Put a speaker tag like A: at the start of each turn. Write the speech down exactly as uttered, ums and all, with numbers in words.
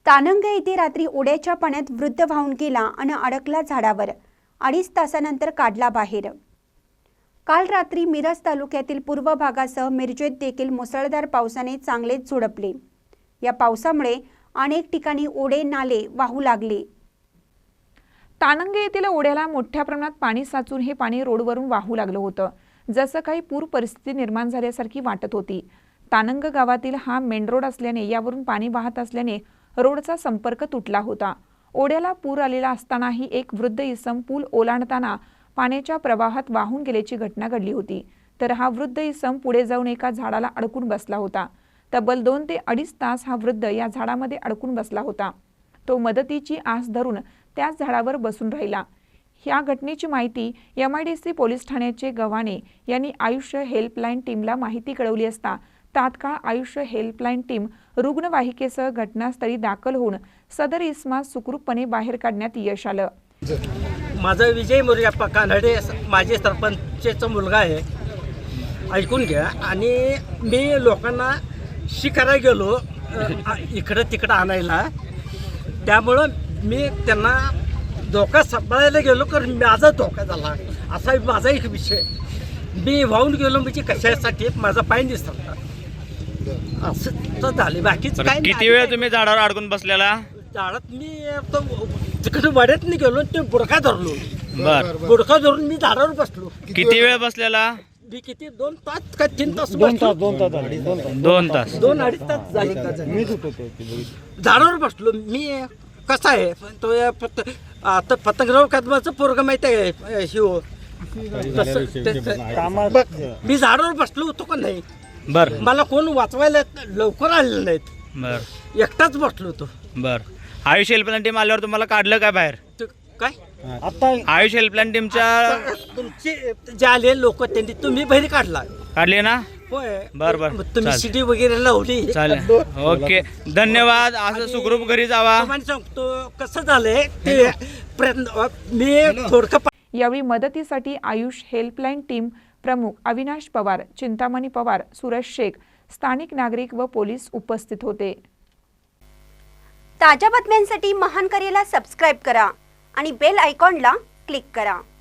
A: तानंगे येथे रात्री ओढ्याच्या पाण्यात वृद्ध वाहून गेला आणि अडकला झाडावर। अडीच तासानंतर काढला बाहेर। काल रात्री मिरज तालुक्यातील पूर्व भागासह मिरजेत देखील मुसळधार पावसाने चांगलेच झोडपले। या पावसामुळे अनेक ठिकाणी ओढे नाले वाहू लागले।
B: तानंगे येथील ओढ्याला मोठ्या प्रमाणात पाणी साचून हे पाणी रोडवरून वाहू लागलं होतं। जसं काही पूर परिस्थिती निर्माण झाल्यासारखी वाटत होती। तानंग गावातील हा मेन रोड असल्याने यावरून पाणी वाहत असल्याने रोडचा संपर्क तुटला होता। ओढ्याला पूर आलेला असतानाही एक वृद्ध इसम पूल ओलांडताना पाण्याच्या प्रवाहात वाहून गेल्याची घटना घडली होती। तर हा वृद्ध इसम पुढे जाऊन एका झाडाला अडकून बसला होता। तब्बल दोन ते अडीच तास हा वृद्ध या झाडामध्ये अडकून बसला होता। तो मदतीची आस धरून त्याच झाडावर बसून राहिला। या घटनेची माहिती M I D C police ठाण्याचे गव्हाणे यांनी आयुष्य हेल्पलाईन टीमला माहिती कळवली असता तात्काळ आयुष्य हेल्पलाईन टीम रुग्णवाहिकेसह घटनास्थळी दाखल होऊन सदर इसमास सुखरूपपणे बाहेर काढण्यात यश आलं।
C: माझा विजय मोरप्पा कानडे माझे सरपंचचा मुलगा आहे, ऐकून घ्या। आणि मी लोकांना शिकायला गेलो इकडं तिकडं आणायला, त्यामुळं मी त्यांना धोका सांभाळायला गेलो कारण माझा धोका झाला असा माझा एक विषय। मी वाहून गेलो म्हणजे कशासाठी माझा पाय दिसला असं तर झाले, बाकीच काय।
D: किती वेळ तुम्ही झाडावर अडकून बसलेला?
C: झाडात मी तो तिकडे वाड्यात नाही गेलो, ते बुडका धरलो।
D: बर,
C: बुडका धरून मी झाडावर बसलो।
D: किती वेळ बसलेला?
C: मी किती दोन तास का तीन तास
E: दोन तास
C: बसलो?
E: दोन तास
D: दोन तास
C: दोन अडीच तास झाले झाडावर बसलो मी। कसा आहे तो फक्त आता पतंगराव कदमाचं पोरग माहिती आहे शिव, तसं ते- बघ, मी झाडावर बसलो होतो का नाही।
D: बर
C: मला कोण वाचवायला लवकर आलेलं नाहीत,
D: बर
C: एकटाच बसलो होतो।
D: बर आयुष हेल्पलाईन टीम आल्यावर तुम्हाला काढलं काय बाहेर?
C: ते काय
E: आता
D: आयुष हेल्पलाईन टीमच्या
C: तुमचे जे आले लोक त्यांनी तुम्ही बाहेर काढला
D: काढली ना?
C: होय।
D: बर बर
C: मग तुम्ही
D: चालेल.
C: शिडी वगैरे लावली
D: चालेल, ओके, धन्यवाद। असं सुखरूप घरी जावा।
C: तुम्हाला सांगतो कसं झालंय ते प्रयत्न मी थोडकं।
B: यावेळी मदतीसाठी आयुष हेल्पलाईन टीम प्रमुख अविनाश पवार, चिंतामणी पवार, सुरेश शेख, स्थानिक नागरिक व पोलीस उपस्थित होते।
A: ताज्या बातम्यांसाठी महान करेला सबस्क्राइब करा आणि बेल आयकॉनला क्लिक करा।